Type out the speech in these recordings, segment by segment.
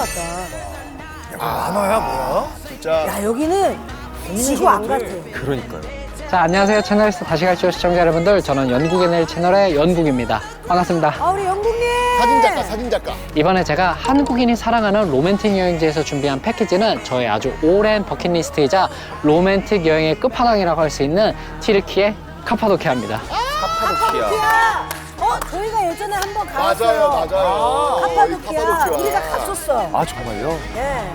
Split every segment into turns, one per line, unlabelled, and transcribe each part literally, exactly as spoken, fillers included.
같다.
아, 만화야 뭐야?
진짜.
야, 여기는 지구 안 같아.
그러니까요.
자, 안녕하세요. 채널리스트 다시 갈지요 시청자 여러분들. 저는 연국의 채널의 연국입니다. 반갑습니다.
아, 우리 영국님!
사진작가, 사진작가.
이번에 제가 한국인이 사랑하는 로맨틱 여행지에서 준비한 패키지는 저의 아주 오랜 버킷리스트이자 로맨틱 여행의 끝판왕이라고 할 수 있는 튀르키예 카파도키아입니다.
카파도키아.
카파도키아! 어, 저희가 예전에 한번 가봤어요.
맞아요, 맞아요.
카파도키아.
카파도키아.
우리가 갔었어.
아, 정말요?
네.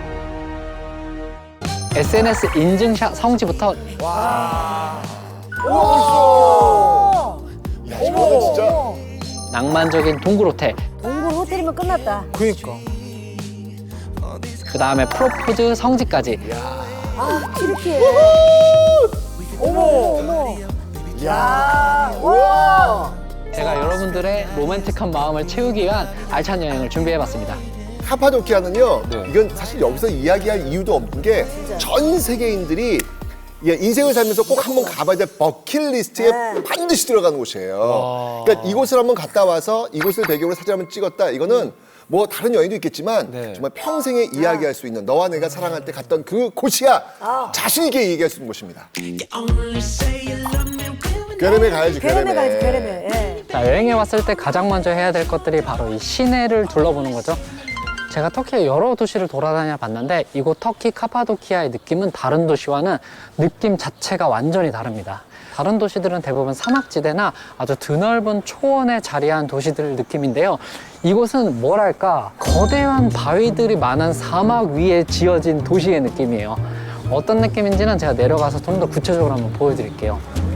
에스엔에스 인증샷 성지부터
오!
야, 이거는 진짜.
낭만적인 동굴 호텔,
동굴 호텔이면 끝났다.
그니까.
그 다음에 프로포즈 성지까지
아, 튀르키예. 어머, 어머. 야, 와!
제가 여러분들의 로맨틱한 마음을 채우기 위한 알찬 여행을 준비해봤습니다.
카파도키아는요,
네.
이건 사실 여기서 이야기할 이유도 없는 게 전 세계인들이 예, 인생을 살면서 꼭 한번 가봐야 될 버킷리스트에
네.
반드시 들어가는 곳이에요. 그러니까 이곳을 한번 갔다 와서 이곳을 배경으로 사진 한번 찍었다. 이거는 뭐 다른 여행도 있겠지만
네.
정말 평생에 이야기할 수 있는 너와 내가 사랑할 때 갔던 그 곳이야. 자신 있게 얘기할 수 있는 곳입니다. 괴렘에 가야지,
괴렘에
괴렘에.
가야지, 괴렘에. 예.
자, 여행에 왔을 때 가장 먼저 해야 될 것들이 바로 이 시내를 둘러보는 거죠. 제가 터키의 여러 도시를 돌아다녀 봤는데 이곳 터키 카파도키아의 느낌은 다른 도시와는 느낌 자체가 완전히 다릅니다. 다른 도시들은 대부분 사막지대나 아주 드넓은 초원에 자리한 도시들 느낌인데요. 이곳은 뭐랄까 거대한 바위들이 많은 사막 위에 지어진 도시의 느낌이에요. 어떤 느낌인지는 제가 내려가서 좀 더 구체적으로 한번 보여드릴게요.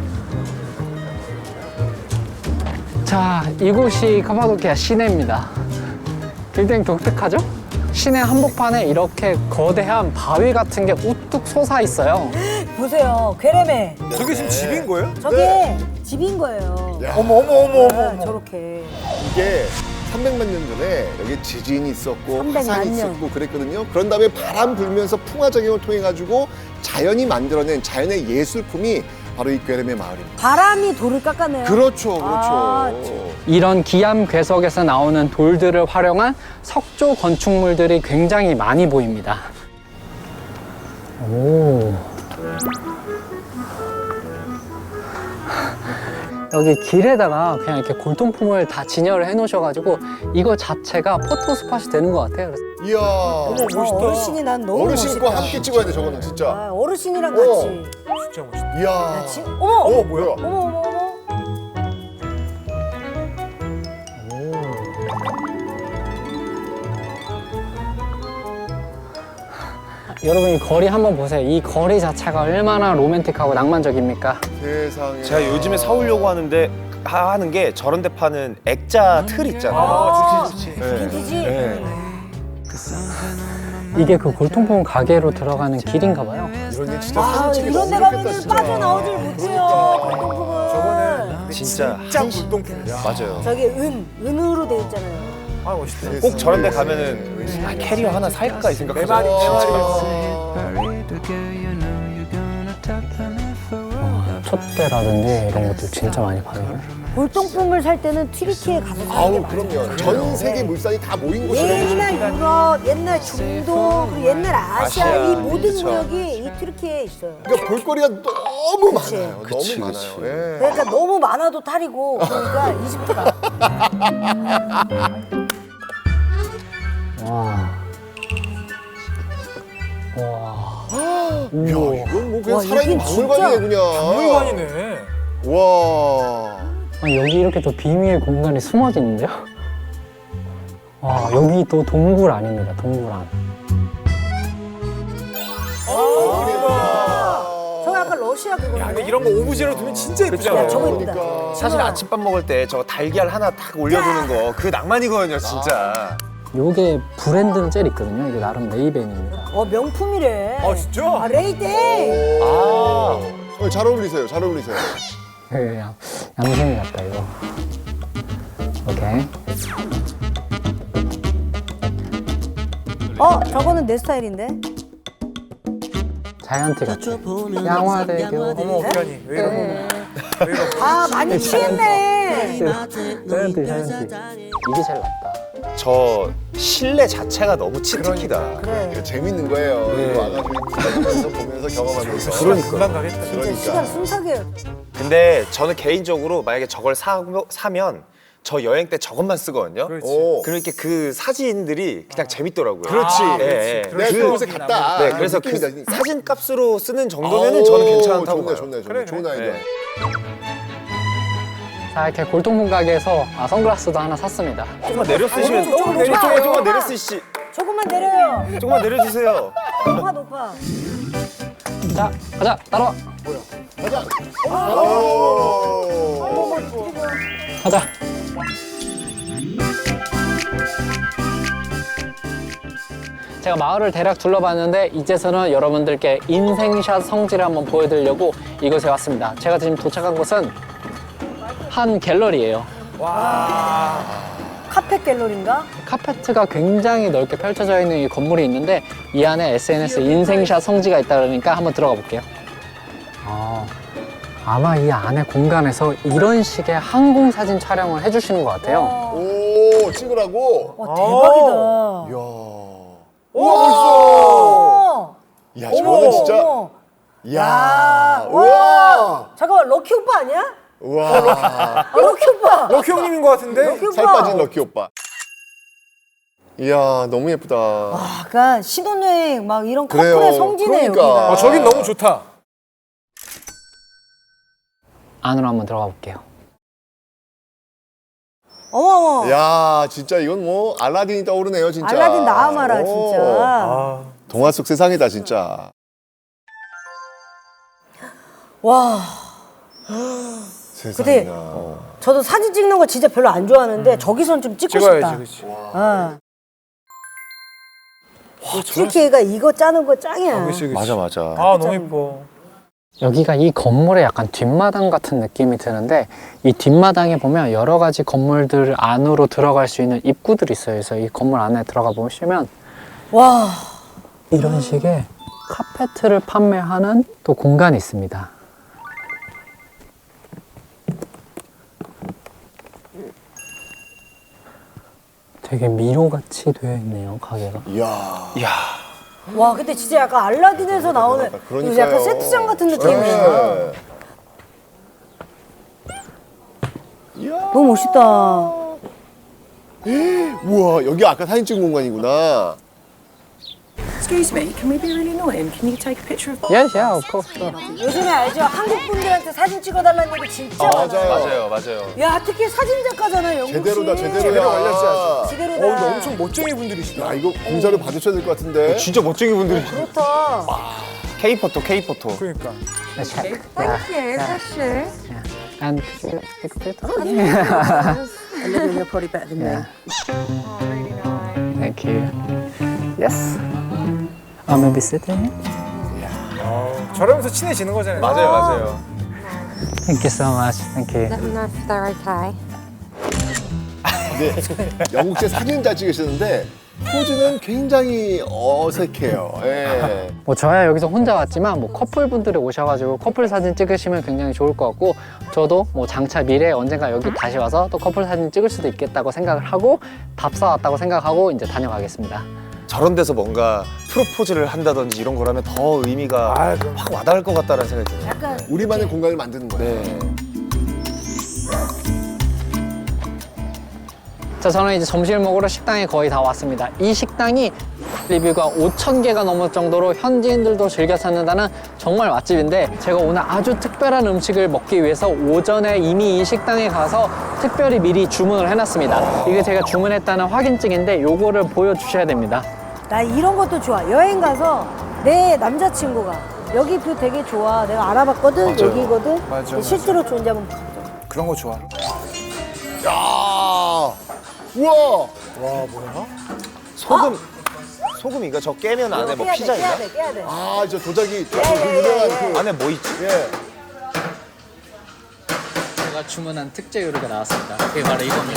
자, 이곳이 카파도키아 시내입니다. 굉장히 독특하죠? 시내 한복판에 이렇게 거대한 바위 같은 게 우뚝 솟아 있어요.
보세요, 괴렘에.
저게 지금 집인 거예요?
저게
네.
집인 거예요.
야.
어머 어머 어머 어머
네,
어머.
저렇게.
이게 삼백만 년 전에 여기 지진이 있었고
삼백만
화산이
년.
있었고 그랬거든요. 그런 다음에 바람 불면서 풍화작용을 통해 가지고 자연이 만들어낸 자연의 예술품이 바로 이 괴렘의 마을입니다.
바람이 돌을 깎아내요.
그렇죠, 그렇죠.
아,
이런 기암 괴석에서 나오는 돌들을 활용한 석조 건축물들이 굉장히 많이 보입니다. 오. 여기 길에다가 그냥 이렇게 골동품을 다 진열을 해 놓으셔가지고 이거 자체가 포토 스팟이 되는 것 같아요. 그래서
이야,
와,
멋있다.
어르신이 난 너무
어르신과
멋있다.
함께 찍어야 돼 저거는 진짜.
아, 어르신이랑
어.
같이.
진짜 멋있다.
이야,
야, 지, 어머,
어
어머,
뭐야?
어머, 어머, 어머.
여러분 이 거리 한번 보세요. 이 거리 자체가 얼마나 로맨틱하고 낭만적입니까?
세상에.
제가 요즘에 사오려고 하는데 하- 하는 게 저런 데 파는 액자 틀 있잖아요.
아, 좋지 좋지.
네.
빈티지.
네.
이게 그 골동품 가게로 들어가는 길인가 봐요.
이런 게 진짜
아,
사진 찍기
이런 데
너무 좋겠다
가면
진짜.
빠져나오질 못해요. 골동품은.
저거는
진짜
진짜 물동품이야.
맞아요.
저기 은, 은으로 돼 있잖아요.
아 멋있다.
꼭 저런 데 가면은 아, 캐리어 하나 살까 이 생각하죠.
내 말이 내 말이요.
촛대라든지 이런 것들 진짜 많이 파네요.
골동품을 살 때는 튀르키예 가서 사는 게
아우
맞아요.
그럼요. 전 세계 물산이 다 모인 곳이라고.
옛날 유럽, 옛날 중동, 그리고 옛날 아시아,
아시아,
이 모든
그쵸.
구역이 이 튀르키예에 있어요.
그러니까 볼거리가 너무
그치.
많아요.
그치,
너무
그치.
많아요. 예.
그러니까 너무 많아도 탈이고, 그러니까 이집트가.
와. 와.
야, 이건 뭐 그냥
와,
살아있는
여긴
박물관이네
진짜
그냥.
박물관이네.
와.
아니, 여기 이렇게 또 비밀 공간이 숨어져 있는데요? 와, 여기 또 동굴 아닙니다, 동굴 안.
저거 약간 러시아 그거네.
야, 근데 이런 거 오브제로 두면 진짜 예쁘잖아.
야, 저거 예쁘다.
그러니까.
사실 아침밥 먹을 때 저 달걀 하나 탁 올려두는 거 그 낭만이거든요, 진짜.
요게 브랜드는 젤 있거든요. 이게 나름 레이벤입니다.
어, 명품이래.
아, 진짜?
아, 레이데이.
아,
어, 잘 어울리세요. 잘 어울리세요.
그냥 양심이 같다, 이거. 오케이.
어, 저거는 내 스타일인데?
자이언티 같아. 양화대교.
어머 어떡하니. 왜 이러고.
네. 아, 많이 취했네.
자이언티, 자이언티. 이게 제일 낫다.
저 실내 자체가 너무 치트키다.
그래.
이거 재밌는 거예요.
네.
이거 와가지고 보면서 보면서 경험하면서.
그러니까. 금방 가겠다.
진짜
그러니까.
시간 순삭이에요.
근데 저는 개인적으로 만약에 저걸 사, 사면 저 여행 때 저것만 쓰거든요.
그렇지.
오.
그러니까 그 사진들이 그냥 재밌더라고요.
그렇지.
네,
그렇지.
네.
내가
그-
그곳에 갔다.
네, 그래서 그
느낌이다.
사진 값으로 쓰는 정도면은
아우,
저는 괜찮다고
좋네,
봐요.
좋네, 좋네.
그래,
좋은
그래.
아이디어.
네.
자, 이렇게 골동품 가게에서 아, 선글라스도 하나 샀습니다.
조금만 내려 쓰시면
조금
조금 내려
높아,
조금만 조금만
높아.
내려 쓰시
조금만 내려요.
조금만 내려주세요.
높아 높아.
자, 가자, 따라와.
가자. 오.
가자. 제가 마을을 대략 둘러봤는데 이제서는 여러분들께 인생샷 성지를 한번 보여드리려고 이곳에 왔습니다. 제가 지금 도착한 곳은 한 갤러리예요.
카페 갤러리인가?
카페트가 굉장히 넓게 펼쳐져 있는 이 건물이 있는데 이 안에 에스엔에스 인생샷 성지가 있다 그러니까 한번 들어가 볼게요. 아, 아마 이 안에 공간에서 이런 식의 항공 사진 촬영을 해주시는 것 같아요.
오, 찍으라고?
와 대박이다.
이야.
오, 멋있어.
야, 저거는 진짜.
어머.
야.
야,
우와.
와. 잠깐만 럭키 오빠 아니야?
우와.
아, 럭키 오빠.
럭키 형님인 것 같은데?
럭키 오빠.
살 빠진 럭키 오빠. 이야, 너무 예쁘다.
와, 약간 신혼여행 막 이런
그래요.
커플의 성지네
그러니까.
여기가.
아, 저긴 너무 좋다.
안으로 한번 들어가 볼게요.
어머 어머.
야, 진짜 이건 뭐 알라딘이 떠오르네요, 진짜.
알라딘 나와마라
오.
진짜.
아,
동화 속 세상이다, 진짜.
와.
세상이나. 어.
저도 사진 찍는 거 진짜 별로 안 좋아하는데 저기선 좀 찍고
찍어야지,
싶다.
그렇지.
어. 트리키가 이거 짜는 거 짱이야.
그치, 그치.
맞아, 맞아.
아, 너무 예뻐.
여기가 이 건물의 약간 뒷마당 같은 느낌이 드는데 이 뒷마당에 보면 여러 가지 건물들 안으로 들어갈 수 있는 입구들이 있어요. 그래서 이 건물 안에 들어가 보시면
와.
이런 식의 카페트를 판매하는 또 공간이 있습니다. 되게 미로같이 되어 있네요, 가게가.
이야.
이야.
와, 근데 진짜 약간 알라딘에서 나오는
그러니까요.
이거 약간 세트장 같은 느낌이야.
네. 이야.
너무 멋있다.
우와, 여기 아까 사진 찍은 공간이구나.
Excuse me, can we be really annoying? Can you take a picture of
Yes, yeah, of course. sure.
요즘에 알죠? 한국 분들한테 사진 찍어달라는 얘기 진짜 많아요.
맞아요.
맞아요, 맞아요.
야, 특히 사진 작가잖아요, 영국 씨.
제대로다, 제대로야.
제대로 걸렸어요.
제대로다.
어, 근데 엄청 멋쟁이 분들이시다.
야, 이거 공사를 받으셔야 될 것 같은데.
진짜 멋쟁이 분들이.
그렇다.
K-포토, K-포토.
그러니까.
Let's check.
Thank you, that's you.
And could you take a photo?
Olivia, you're probably better than me.
Yeah. Thank you. Yes. Uh, maybe sit in.
어, 저러면서 친해지는 거잖아요.
맞아요, 맞아요.
Thank you so much. Thank you.
Let me know if they're okay.
네, 영국제 사진 잘 찍으셨는데 포즈는 굉장히 어색해요. 예.
뭐 저야 여기서 혼자 왔지만 뭐 커플분들이 오셔가지고 커플 사진 찍으시면 굉장히 좋을 것 같고 저도 뭐 장차 미래에 언젠가 여기 다시 와서 또 커플 사진 찍을 수도 있겠다고 생각을 하고 밥 사왔다고 생각하고 이제 다녀가겠습니다.
저런 데서 뭔가 프로포즈를 한다든지 이런 거라면 더 의미가
아, 그럼.
확 와닿을 것 같다는 생각이 드네요.
약간
우리만의 공간을 만드는 거예요.
네.
자, 저는 이제 점심을 먹으러 식당에 거의 다 왔습니다. 이 식당이 리뷰가 오천 개가 넘을 정도로 현지인들도 즐겨 찾는다는 정말 맛집인데 제가 오늘 아주 특별한 음식을 먹기 위해서 오전에 이미 이 식당에 가서 특별히 미리 주문을 해놨습니다. 이게 제가 주문했다는 확인증인데 요거를 보여주셔야 됩니다.
나 이런 것도 좋아. 여행 가서 내 남자친구가 여기 뷰 되게 좋아. 내가 알아봤거든.
맞아요.
여기거든.
맞아,
실제로 좋은지 한번 가자.
그런 거 좋아.
야, 우와.
와, 뭐야?
소금, 소금 이거 저 깨면 안에 뭐
깨야
피자
돼, 깨야
있나?
돼, 깨야 돼.
아, 저 도자기, 저
예,
그
예,
유명한
예,
그.
안에 뭐 있지?
예.
제가 주문한 특제 요리가 나왔습니다. 이게 바로 이겁니다.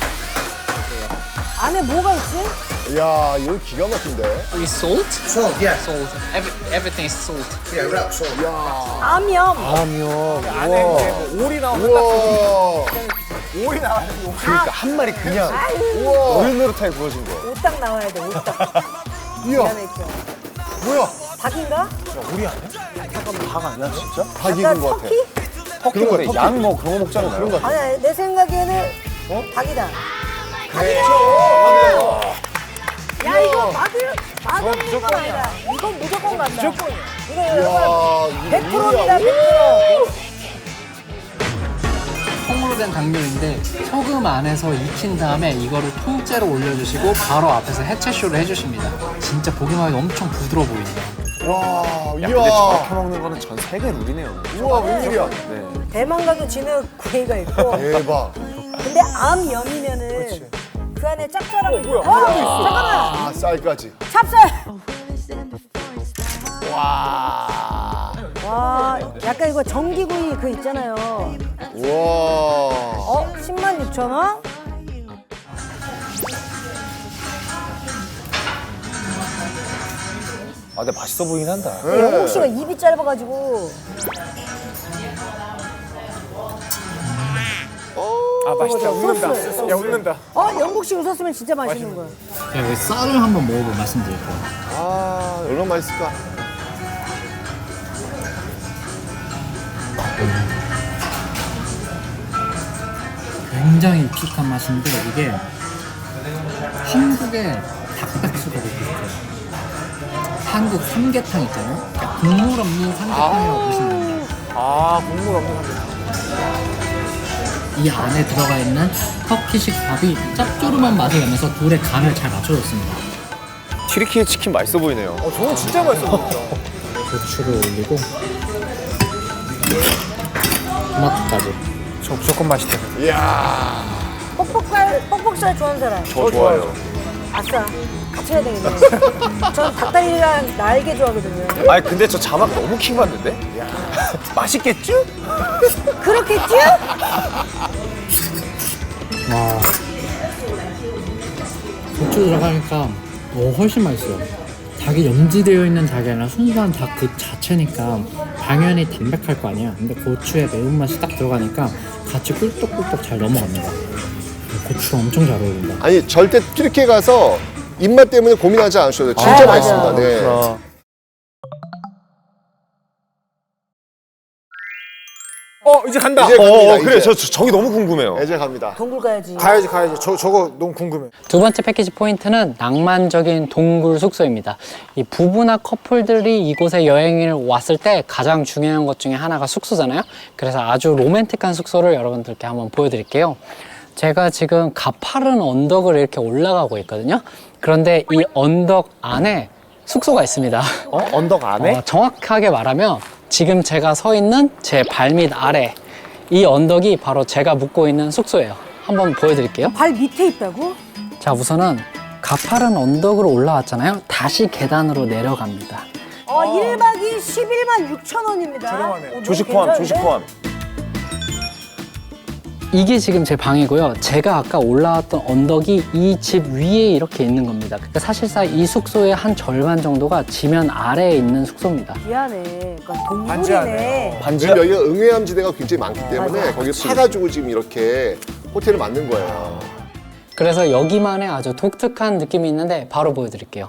안에 뭐가 있지?
야, 이거 기가 막힌데.
이 salt? Salt, yeah. Salt. Every, everything is salt.
암염.
안에 이제 뭐 오리 나오는 딱
우와.
오이 나와야 돼. 오이.
그러니까 한 마리 그냥
우와.
노릇노릇하게 구워진 거.
오딱 나와야 돼, 오딱.
이야.
기가 막혀.
뭐야?
닭인가?
야, 오리 아니야?
닭 아니야 진짜?
닭
약간
익은 것 같아.
터키?
터키
그런
그래.
거, 터키.
양 뭐 그런 거 먹잖아요.
그런 거 같아.
아니야, 내 생각에는 닭이다. 야, 이거 맛을, 맛없는 건 아니다. 이건 무조건 간다. 무조건이야. 이거
이야,
여러분, 백
이거
퍼센트입니다,
뭐야?
백 퍼센트.
통으로 된 닭면인데 소금 안에서 익힌 다음에 이거를 통째로 올려주시고 바로 앞에서 해체쇼를 해주십니다. 진짜 보기만 해도 엄청 부드러워 보이네요.
와,
야, 근데
이야.
저렇게 먹는 거는 전 세계 룰이네요.
우와, 웬일이야.
네.
대만 가도 진흙 구이가 있고.
대박.
근데 암염이면은 그 안에 짭짤한 거.
뭐야?
어, 잠깐만.
아, 쌀까지.
찹쌀.
와.
와, 약간 이거 전기구이 그 있잖아요.
우와.
어, 십만 육천 원?
아, 근데 맛있어 보이긴 한다.
영국 씨가 입이 짧아가지고.
아, 맛있다.
소스,
웃는다.
소스.
야, 웃는다.
어, 영국 씨 웃었으면 진짜 맛있는 거야.
제가 여기 쌀을 한번 먹어보고 말씀드릴게요.
아, 얼마나 맛있을까?
굉장히 익숙한 맛인데 이게 한국의 닭백숙하고 비슷해요. 한국 삼계탕 있잖아요. 그러니까 국물 없는 삼계탕이라고 보시면 됩니다.
아, 국물 없는 삼계탕.
이 안에 들어가 있는 터키식 밥이 짭조름한 맛을 내면서 둘의 간을 잘 맞춰줬습니다.
튀르키예 치킨 맛있어 보이네요.
어, 저건 진짜 맛있어 보인다.
고추를 올리고 토마토까지.
저 무조건 맛있다.
이야.
뻑뻑살, 뻑뻑살 좋아하는 사람.
저 좋아요.
아싸. 같이 해야 되겠네. 전 닭다리랑 날개 좋아하거든요.
아니 근데 저 자막 너무 킹받는데? 맛있겠죠?
그렇겠지?
와. 고추 들어가니까 어, 훨씬 맛있어요. 닭이 염지되어 있는 닭이 아니라 순수한 닭 그 자체니까 당연히 담백할 거 아니야. 근데 고추의 매운맛이 딱 들어가니까 같이 꿀떡꿀떡 잘 넘어갑니다. 고추가 엄청 잘 어울린다.
아니, 절대 튀르키예 가서 입맛 때문에 고민하지 않으셔도 돼요. 진짜
아,
맛있습니다.
맞아요.
네.
그렇구나.
어, 이제 간다.
이제
어,
갑니다,
어 그래.
이제.
저, 저 저기 너무 궁금해요.
이제 갑니다.
동굴 가야지.
가야지, 가야지. 저, 저거 너무 궁금해.
두 번째 패키지 포인트는 낭만적인 동굴 숙소입니다. 이 부부나 커플들이 이곳에 여행을 왔을 때 가장 중요한 것 중에 하나가 숙소잖아요. 그래서 아주 로맨틱한 숙소를 여러분들께 한번 보여드릴게요. 제가 지금 가파른 언덕을 이렇게 올라가고 있거든요. 그런데 이 언덕 안에 숙소가 있습니다.
어? 언덕 안에?
어, 정확하게 말하면 지금 제가 서 있는 제 발밑 아래 이 언덕이 바로 제가 묵고 있는 숙소예요. 한번 보여드릴게요.
발 밑에 있다고?
자, 우선은 가파른 언덕으로 올라왔잖아요. 다시 계단으로 내려갑니다.
어, 일 박이 십일만 육천 원입니다.
저렴하네요.
어, 너무
조식 포함,
괜찮은데?
조식 포함.
이게 지금 제 방이고요. 제가 아까 올라왔던 언덕이 이 집 위에 이렇게 있는 겁니다. 그러니까 사실상 이 숙소의 한 절반 정도가 지면 아래에 있는 숙소입니다.
미안해. 그러니까 동굴이네.
반지하네요.
반지야?
지금 여기가 응해암지대가 굉장히 많기 때문에
맞아.
거기 파가지고 지금 이렇게 호텔을 만든 거예요.
그래서 여기만의 아주 독특한 느낌이 있는데 바로 보여드릴게요.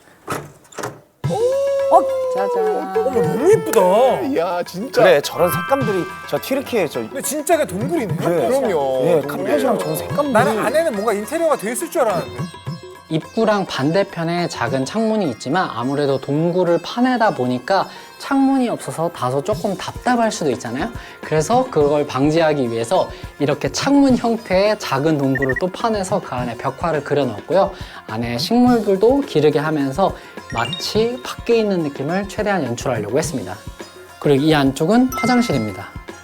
어,
짜잔.
너무 예쁘다.
이야, 진짜.
그래 저런 색감들이 저 튀르키예 저
근데 진짜 그 동굴이네.
그럼요.
예, 카펫이랑 저런 색감들이
나는 안에는 뭔가 인테리어가 돼 있을 줄 알았는데.
입구랑 반대편에 작은 창문이 있지만 아무래도 동굴을 파내다 보니까 창문이 없어서 다소 조금 답답할 수도 있잖아요. 그래서 그걸 방지하기 위해서 이렇게 창문 형태의 작은 동굴을 또 파내서 그 안에 벽화를 그려놨고요. 안에 식물들도 기르게 하면서 마치 밖에 있는 느낌을 최대한 연출하려고 했습니다. 그리고 이 안쪽은 화장실입니다.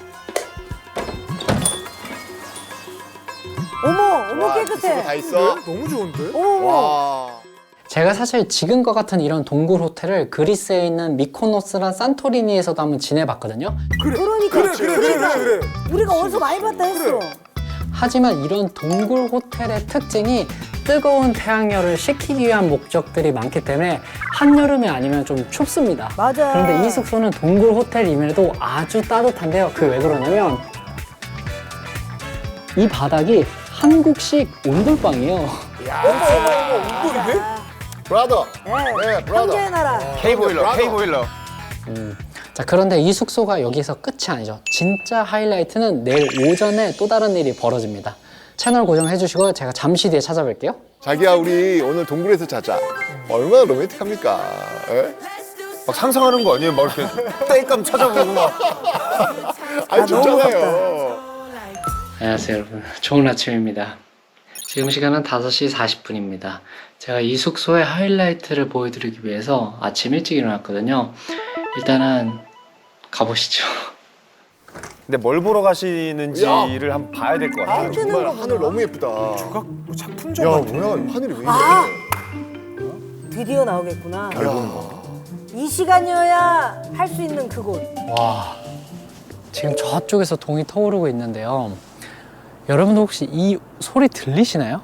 어머, 어머
와,
깨끗해.
다 있어.
너무 좋은데?
어머, 어머.
와.
제가 사실 지금과 같은 이런 동굴 호텔을 그리스에 있는 미코노스랑 산토리니에서도 한번 지내봤거든요.
그래.
그러니까.
그래, 그래, 그래, 그래, 그래.
우리가 어디서 많이 봤다 했어.
하지만 이런 동굴 호텔의 특징이 뜨거운 태양열을 식히기 위한 목적들이 많기 때문에 한여름이 아니면 좀 춥습니다.
맞아.
그런데 이 숙소는 동굴 호텔임에도 아주 따뜻한데요. 그 왜 그러냐면 이 바닥이 한국식 온돌방이에요.
엉돌이네?
브라더.
네,
네, 브라더.
형제의 나라.
K-보일러, K-보일러.
자, 그런데 이 숙소가 여기서 끝이 아니죠. 진짜 하이라이트는 내일 오전에 또 다른 일이 벌어집니다. 채널 고정해 주시고 제가 잠시 뒤에 찾아뵐게요.
자기야, 우리 오늘 동굴에서 자자. 얼마나 로맨틱합니까? 예?
막 상상하는 거 아니에요? 막 이렇게 땔감 찾아보고 막.
아니, 좋잖아요.
안녕하세요, 여러분. 좋은 아침입니다. 지금 시간은 다섯 시 사십 분입니다. 제가 이 숙소의 하이라이트를 보여드리기 위해서 아침 일찍 일어났거든요. 일단은 가보시죠.
근데 뭘 보러 가시는지를
야.
한번 봐야 될 것 같아요.
뜨는
정말
거구나.
하늘 너무 예쁘다.
조각 뭐 작품적
야,
같아.
뭐야, 하늘이 왜 이래?
아! 드디어 나오겠구나. 이 시간이어야 할 수 있는 그곳.
와, 지금 저쪽에서 동이 터오르고 있는데요. 여러분도 혹시 이 소리 들리시나요?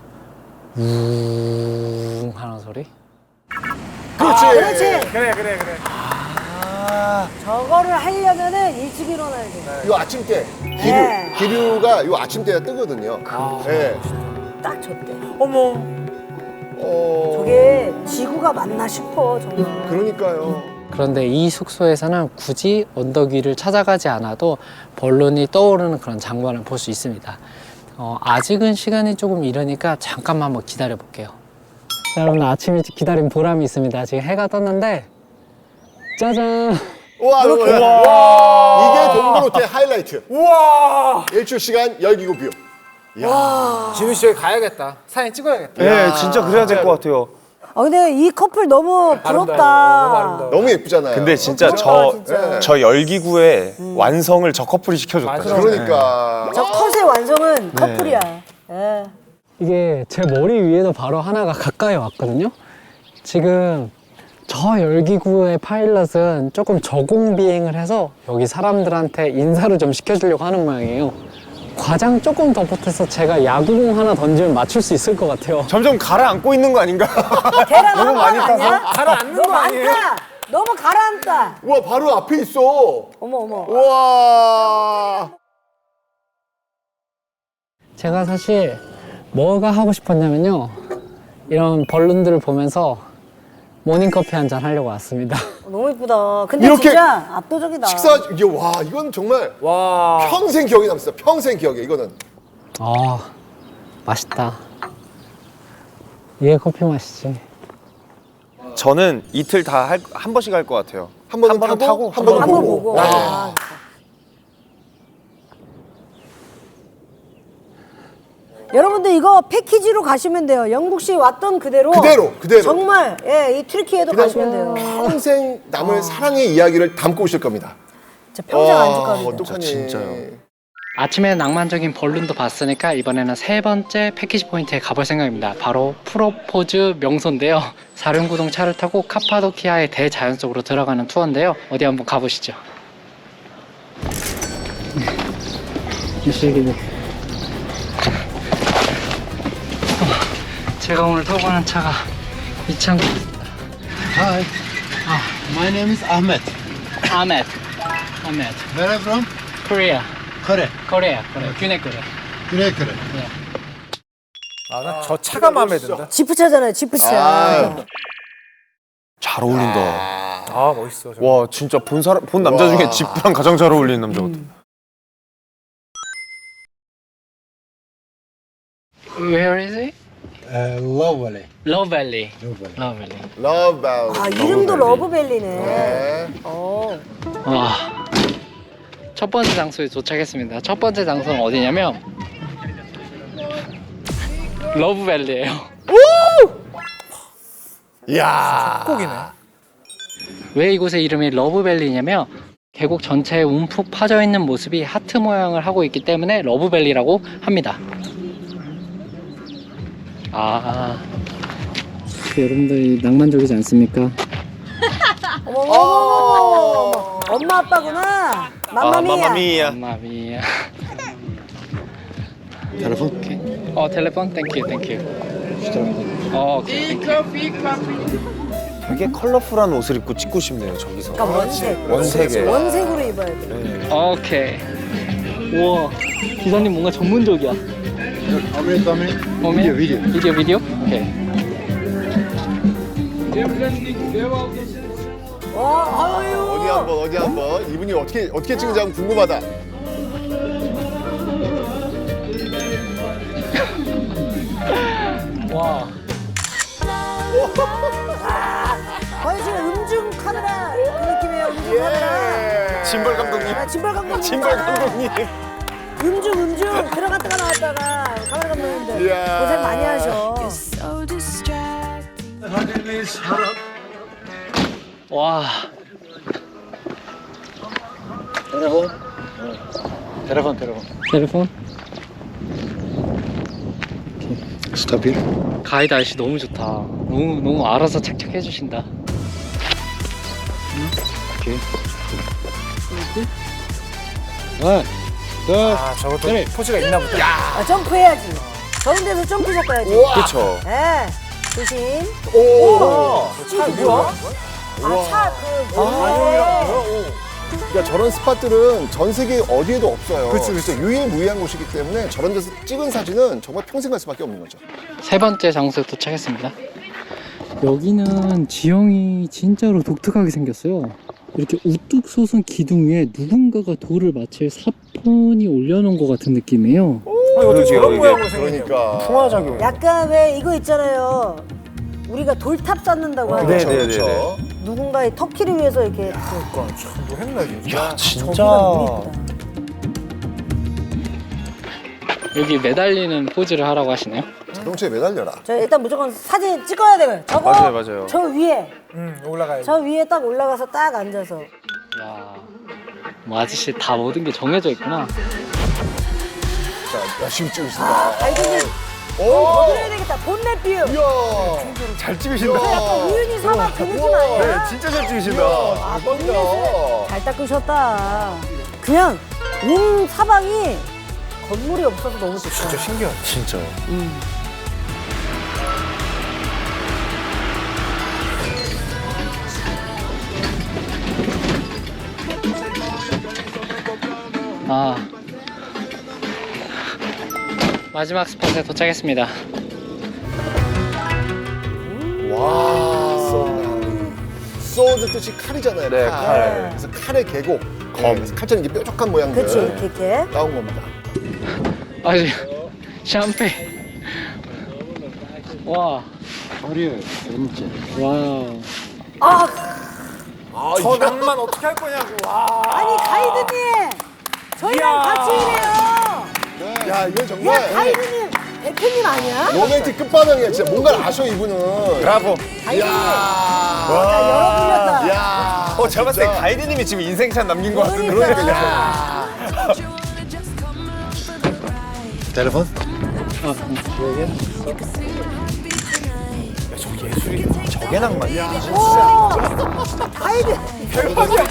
우웅 하는 소리?
그렇지.
아, 그렇지.
그래 그래 그래.
저거를 하려면은 일찍 일어나야 돼.
요 아침 때 기류,
네.
기류가 요 아침 때가 뜨거든요. 예.
딱 저때.
어머.
어.
저게 지구가 맞나 싶어 정말.
그러니까요.
그런데 이 숙소에서는 굳이 언덕 위를 찾아가지 않아도 벌룬이 떠오르는 그런 장관을 볼 수 있습니다. 어, 아직은 시간이 조금 이르니까 잠깐만 한번 기다려 볼게요. 자, 여러분 아침 일찍 기다린 보람이 있습니다. 지금 해가 떴는데 짜잔!
우와,
이렇게.
우와. 이게 동굴 호텔 하이라이트.
우와.
일출 시간 열기구 뷰.
진우 씨 여기 가야겠다. 사진 찍어야겠다.
네, 진짜 그래야 될 것 같아요.
아 근데 이 커플 너무 부럽다.
아름다워, 너무 아름다워.
너무 예쁘잖아요.
근데 진짜
그러니까,
저,
진짜.
저 열기구의 완성을 저 커플이 시켜줬다.
맞아.
그러니까.
저 컷의 완성은 커플이야. 예.
이게 제 머리 위에도 바로 하나가 가까이 왔거든요. 지금 저 열기구의 파일럿은 조금 저공 비행을 해서 여기 사람들한테 인사를 좀 시켜주려고 하는 모양이에요. 과장 조금 더 보태서 제가 야구공 하나 던지면 맞출 수 있을 것 같아요.
점점 가라앉고 있는 거 아닌가?
계란
너무
한
많이
번
타서?
아니야?
가라앉는
너무
거 아니에요?
많다. 너무 가라앉다.
우와, 바로 앞에 있어.
어머 어머.
우와.
제가 사실 뭐가 하고 싶었냐면요. 이런 벌룬들을 보면서 모닝커피 한 잔 하려고 왔습니다.
너무 예쁘다. 근데
이렇게
진짜 압도적이다.
식사, 이게 와, 이건 정말
와.
평생 기억에 남습니다. 평생 기억에, 이거는.
아, 맛있다. 이게 커피 맛이지.
저는 이틀 다 한 번씩 할 것 같아요.
한 번은
번은
타고,
타고,
한 번은
한 번
보고.
보고.
와.
아, 여러분들 이거 패키지로 가시면 돼요. 영국시 왔던 그대로.
그대로, 그대로.
정말 예, 이 트리키에도
그냥
가시면 돼요.
평생 남을 사랑의 이야기를 담고 오실 겁니다.
진짜 평생
와,
안 줄 겁니다.
어떡하니.
진짜요.
아침에 낭만적인 벌룬도 봤으니까 이번에는 세 번째 패키지 포인트에 가볼 생각입니다. 바로 프로포즈 명소인데요. 사륜구동 차를 타고 카파도키아의 대자연 속으로 들어가는 투어인데요. 어디 한번 가보시죠. 이슬기네. 제가 오늘 타고 가는 차가 이 차입니다.
Hi, my name is Ahmed.
아멧. 아멧.
Where are you from?
코리아.
Korea.
코리아. 코리아. 균해 코리아.
Korea, Korea.
아, 나 저 차가 마음에 든다.
지프차잖아요. 지프차.
아.
잘 어울린다.
아, 멋있어. 저거.
와, 진짜 본 사람, 본 남자
와.
중에 지프랑 가장 잘 어울리는 남자 같아.
Where is it?
Uh, Love Valley.
Love Valley.
Love Valley.
Love Valley.
러브 밸리.
아, 이름도 러브벨리네.
네.
어.
와. 첫 번째 장소에 도착했습니다. 첫 번째 장소는 어디냐면 러브밸리예요.
이야.
꼭이네.
왜 이곳의 이름이 러브밸리냐면 계곡 전체에 움푹 파져 있는 모습이 하트 모양을 하고 있기 때문에 러브밸리라고 합니다. 아, 여러분들 낭만적이지 않습니까?
어머, 어머, 어머, 어머. 엄마 아빠구나.
아,
맘마미야.
마마미야.
마미야.
Telephone?
어, 텔레폰? 땡큐, 땡큐. 어, 오케이.
되게 컬러풀한 옷을 입고 찍고 싶네요, 저기서.
그러니까 원색.
원색에.
원색으로 입어야 돼.
오케이. 우와, 기사님 뭔가 전문적이야.
How many, how many?
오메?
Video, video.
비디오 비디오? 오케이.
와, 아유.
어디 한번 어디 한번 이분이 어떻게 어떻게 찍는지 한번 궁금하다.
와.
거의 지금 음중 카메라 그 느낌이에요. 음중 카메라.
진벌 감독님.
아, 진벌 감독님.
진벌 감독님.
음중 음중 들어갔다가 나왔다가 카메라 감독님들
이야.
고생 많이 하셔.
So distracted.
와.
Telephone? Telephone, telephone.
텔레폰?
Stop here.
가이드 아저씨 너무 좋다. 너무 너무 알아서 착착 해주신다.
Okay. One, two,
아 저것도
그래.
포즈가 있나 보다.
아, 점프해야지. 저런 데서 점프 섞어야지.
그렇죠.
예. 조심.
오.
차 뭐야? 아, 차 그. 뭐.
그러니까 저런 스팟들은 전 세계 어디에도 없어요.
그치, 그치.
유일무이한 곳이기 때문에 저런 데서 찍은 사진은 정말 평생 갈 수밖에 없는 거죠.
세 번째 장소에 도착했습니다. 여기는 지형이 진짜로 독특하게 생겼어요. 이렇게 우뚝 솟은 기둥 위에 누군가가 돌을 마치 사pon이 올려놓은 것 같은 느낌이에요.
아니, 어떻게 저런 모양으로 생겼냐.
그러니까.
풍화작용.
약간 왜 이거 있잖아요. 우리가 돌탑 쌓는다고 하죠.
네,
그렇죠,
네,
그렇죠.
네,
누군가의 터키를 위해서 이렇게.
그러니까 참뭐 했나 진짜.
야, 진짜.
저기가 너무 이쁘다.
여기 매달리는 포즈를 하라고 하시네요.
자동차에 매달려라.
저 일단 무조건 사진 찍어야 돼요. 저거
맞아요, 맞아요.
저 위에
응 올라가야지.
저 위에 딱 올라가서 딱 앉아서.
야, 뭐 아저씨 다 모든 게 정해져 있구나.
자, 열심히 찍으신다.
아, 가이드님.
오.
더 들어야 되겠다. 본넷 뷰.
이야.
잘
그
찍으신다.
약간 우윤희 사막 그 느낌 아니야?
네, 진짜 잘 찍으신다.
아, 본넷을 잘 닦으셨다. 그냥 온 사방이 건물이 없어서 너무 좋다.
진짜 신기하다.
진짜요.
아, 마지막 스팟에 도착했습니다.
와. 소드 뜻이 칼이잖아요.
네,
칼.
칼.
그래서 칼의 계곡. 검. 그래서 칼처럼 이게 뾰족한 모양들.
그치, 이렇게 이렇게.
나온 겁니다.
아주 샴페인. 와,
어려워요, 진짜.
와.
아,
저 낭만 어떻게 할 거냐고. 와.
아니 가이드님, 저희랑
이야.
같이 일해요.
야, 이건 정말
야, 가이드님 대표님 아니야?
로맨틱 끝판왕이야. 진짜 뭔가를 아셔, 이분은.
브라보.
가이드님.
야.
나 열어불렸다.
야.
어, 제가 봤을 때
진짜.
가이드님이 지금 인생샷 남긴 것 같은데.
그러니까.
야.
Telephone?
저게 낭만이야.
오, 가이드.
대박이야.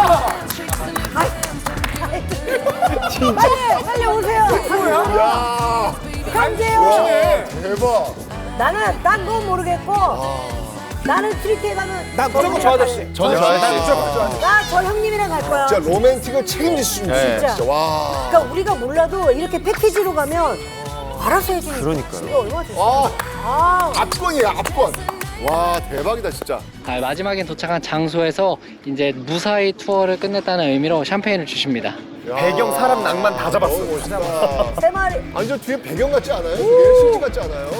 빨리 빨리 오세요.
야.
현재요.
와, 대박.
나는 딴 건 모르겠고 나는 트리트에 가면
나 무조건 저 아저씨.
저는 저 아저씨.
나 저 형님이랑 갈 거야.
진짜 로맨틱을 책임질 수 있는
네.
진짜. 와.
그러니까 우리가 몰라도 이렇게 패키지로 가면 알아서 해주니까.
그러니까요.
이거 얼마나 좋아.
와.
아,
압권이야, 압권. 와, 대박이다, 진짜.
아, 마지막에 도착한 장소에서 이제 무사히 투어를 끝냈다는 의미로 샴페인을 주십니다.
야.
배경, 사람, 낭만 다 잡았어.
너무 멋있다.
세 마리.
아니, 저 뒤에 배경 같지 않아요? 그게 실제 같지 않아요?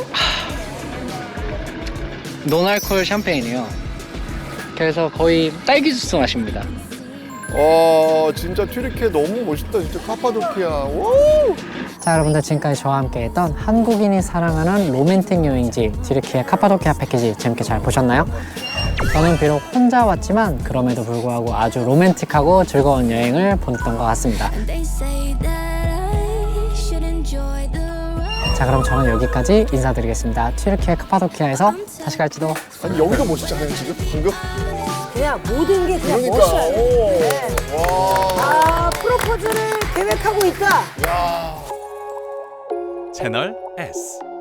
논알콜 샴페인이에요. 그래서 거의 딸기 주스 맛입니다.
와, 진짜 튀르키예 너무 멋있다. 진짜 카파도키아. 오!
자, 여러분들 지금까지 저와 함께 했던 한국인이 사랑하는 로맨틱 여행지 튀르키예 카파도키아 패키지 재밌게 잘 보셨나요? 저는 비록 혼자 왔지만 그럼에도 불구하고 아주 로맨틱하고 즐거운 여행을 보냈던 것 같습니다.
They say that I should enjoy the ride.
자, 그럼 저는 여기까지 인사드리겠습니다. 튀르키예 카파도키아에서 다시 갈지도.
아니, 여기도 멋있잖아요, 지금. 방금.
그냥 모든 게 그냥
그러니까.
멋이야.
오.
네.
와.
아, 프로포즈를 계획하고 있다.
야.
채널 S